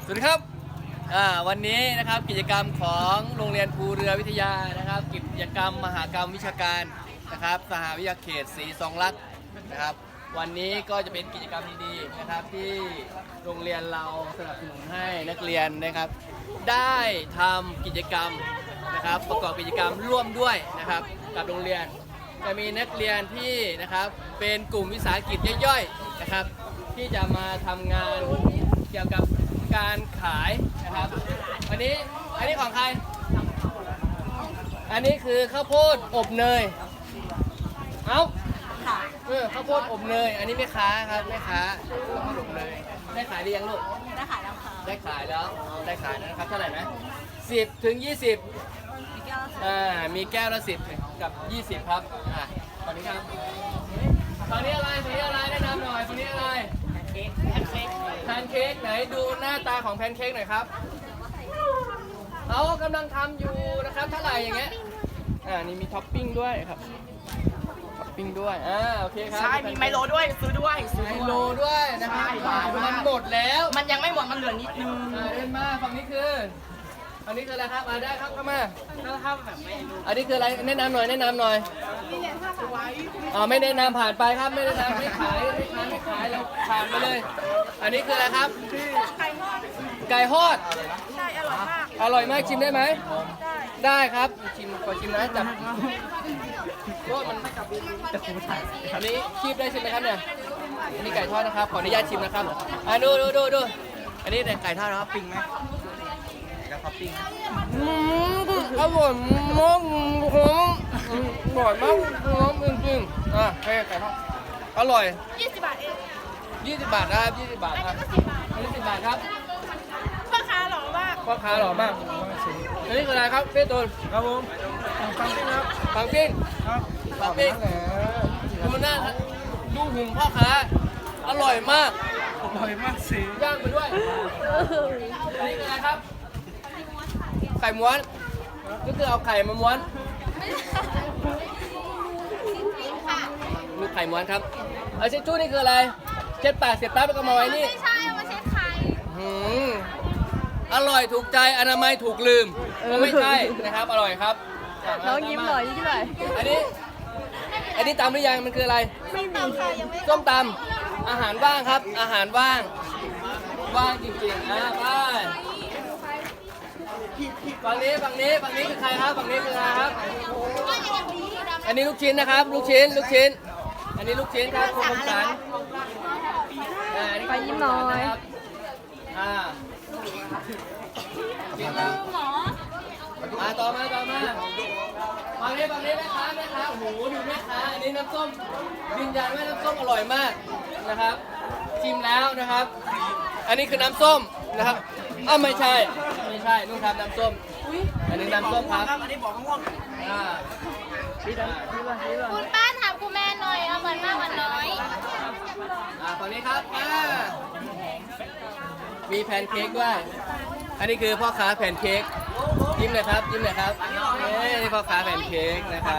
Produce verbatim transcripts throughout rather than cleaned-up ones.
สวัสดีครับวันนี้นะครับกิจกรรมของโรงเรียนภูเรือวิทยานะครับกิจกรรมมหกรรมวิชาการนะครับสหวิทยาเขตศรีสองลักษณ์นะครับวันนี้ก็จะเป็นกิจกรรมดีๆนะครับที่โรงเรียนเราสนับสนุนให้นักเรียนนะครับได้ทำกิจกรรมนะครับประกอบกิจกรรมร่วมด้วยนะครับกับโรงเรียนจะมีนักเรียนที่นะครับเป็นกลุ่มวิสาหกิจย่อยๆนะครับที่จะมาทำงานเกี่ยวกับการขายนะครับอันนี้อันนี้ของใครอันนี้คือข้าวโพดอบเนยเอ้าเออข้าวโพดอบเนยอันนี้แม่ค้าครับแม่ค้าข้าวโพดอบเนยได้ขายหรือยังลูกได้ขายแล้วค่ะได้ขายแล้วได้ขายแล้วนะครับเท่าไหร่นะสิบถึงยี่สิบอ่ามีแก้วละสิบกับยี่สิบครับอ่าตอนนี้ครับตอนนี้อะไรตอนนี้อะไรแนะนำหน่อยตอนนี้อะไรแพนเค้กแพนเค้กไหนดูหน้าตาของแพนเค้กหน่อยครับเขากำลังทำอยู่นะครับเท่าไหร่อย่างเงี้ยอ่านี่มีท็อปปิ้งด้วยครับท็อปปิ้งด้วยอ่าโอเคครับใช่มีไมโลด้วยซื้อด้วยซื้อไมโลด้วยนะครับมันหมดแล้วมันยังไม่หมดมันเหลือนิดนึงอ่าเดินมาฝั่งนี้คืออันนี้คืออะไรครับมาได้ครับเข้ามาถ้าแบบไม่อันนี้คืออะไรแนะนำหน่อยแนะนำหน่อยอ๋อไม่แนะนำผ่านไปครับไม่แนะนำไม่ขายไม่ขายไม่ขายเราผ่านไปเลยอันนี้คืออะไรครับไก่ทอดใช่อร่อยมากอร่อยมากชิมได้ไหมได้ครับชิมขอชิมนะจับโอ้มันอันนี้คีบได้ใช่ไหมครับเนี่ยอันนี้ไก่ทอดนะครับขออนุญาตชิมนะครับอ่ะดูดูดูดูอันนี้ไก่ทอดนะครับปิ้งไหมกับท็อปปิ้งอืมอร่อยมากหอมอร่อยมากหอมจริงๆอ่ะเฮ้ยไก่ทอดอร่อยยี่สิบบาทเองยี่สิบบาทครับยี่สิบบาทครับอันนี้สิบบาทครับพ่อค้าหล่อมากพ่อค้าหล่อมากอันนี้คืออะไรครับเป้ตูนครับผมปังปิ้งครับปังปิ้งครับปังปิ้งดูหน้าดูหุ่นพ่อค้าอร่อยมากอร่อยมากสิย่างไปด้วยอันนี้คืออะไรครับไข่ม้วนก็คือเอาไข่มาม้วนมีไข่ม้วนครับเอาเช็ดจู้นี่คืออะไรเช็ดปากเสร็จปั๊บแล้วก็มาไว้นี่ไม่ใช่เอามาเช็ดไข่หืมอร่อยถูกใจอนามัยถูกลืมไม่ใช่นะครับอร่อยครับน้องยิ้มหน่อยยิ้มหน่อยอันนี้อันนี้ตำหรือยังมันคืออะไรส้มตำค่ะยังไม่ส้มตำอาหารว่างครับอาหารว่างว่างจริงๆอ่ะไปฝั่งนี้ฝั่งนี้ฝั่งนี้คือใครครับฝั่งนี้คือใครครับอันนี้ลูกชิ้นนะครับลูกชิ้นลูกชิ้นอันนี้ลูกชิ้นครับคุณคมสันไปยิ้มหน่อยอ่าจริงครับมาต่อมาต่อมาฝั่งนี้ฝั่งนี้แม่ค้าแม่ค้าโอ้โหดูแม่ค้าอันนี้น้ำส้มยืนยันว่าน้ำส้มอร่อยมากนะครับชิมแล้วนะครับอันนี้คือน้ำส้มนะครับอ้าวไม่ใช่ไม่ใช่นุ่งทำน้ำส้มอันนี้น้ำส้มครับอันนี้บอกม่วงอ่าคุณป้าถามคุณแม่หน่อยเอาเหมือนมากเหมือนน้อยอ่าฝั่งนี้ครับอ่ามีแพนเค้กด้วยอันนี้คือพ่อค้าแพนเค้กยิ้มเลยครับยิ้มเลยครับเอ้ยพ่อค้าแพนเค้กนะครับ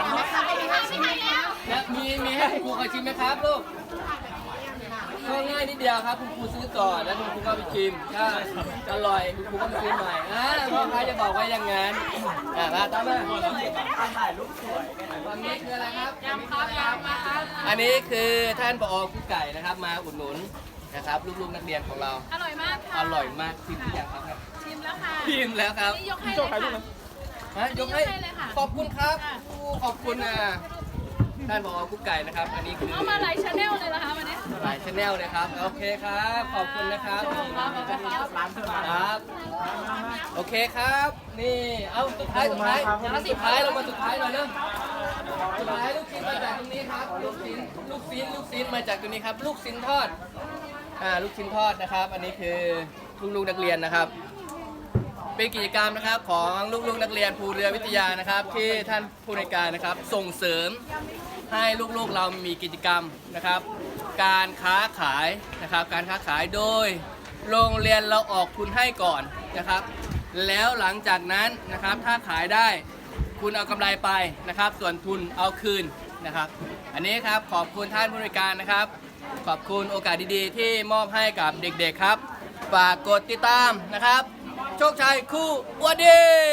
มีมีให้คุณครูขอชิมไหมครับลูกก็ง่ายนิดเดียวครับคุณครูซื้อก่อนแล้วคุณครูก็ไปชิมถ้าอร่อยคุณครูก็ไปซื้อใหม่อ่าพ่อค้าจะบอกว่าอย่างงั้นอ่ามาตามมาถ่ายรูปสวยวันนี้คืออะไรครับยำครับยำมาครับอันนี้คือท่านผอ.กุ๊กไก่นะครับมาอุดหนุนนะครับลูกๆนักเรียนของเราอร่อยมากค่ะอร่อยมากชิมหรือยังครับชิมแล้วค่ะชิมแล้วครับยกให้เลยค่ะยกให้ขอบคุณครับขอบคุณนะท่านผอ.กุ๊กไก่นะครับอันนี้คือเอามาหลายชาแนลเลยนะคะวันนี้หลายชาแนลเลยครับโอเคครับขอบคุณนะครับครับโอเคครับนี่เอาสุดท้ายสุดท้ายสุดท้ายเรามาสุดท้ายหน่อยเริ่มสุดท้ายลูกชิ้นมาจากตรงนี้ครับลูกชิ้นลูกชิ้นลูกชิ้นมาจากตรงนี้ครับลูกชิ้นทอดอ่าลูกชิ้นทอดนะครับอันนี้คือลูกๆนักเรียนนะครับเป็นกิจกรรมนะครับของลูกๆนักเรียนภูเรือวิทยานะครับที่ท่านผู้ในการนะครับส่งเสริมให้ลูกๆเรามีกิจกรรมนะครับการค้าขายนะครับการค้าขายโดยโรงเรียนเราออกทุนให้ก่อนนะครับแล้วหลังจากนั้นนะครับถ้าขายได้คุณเอากำไรไปนะครับส่วนทุนเอาคืนนะครับอันนี้ครับขอบคุณท่านผู้ในการนะครับขอบคุณโอกาสดีๆที่มอบให้กับเด็กๆครับฝากกดติดตามนะครับ โชคชัยคู่อวดดี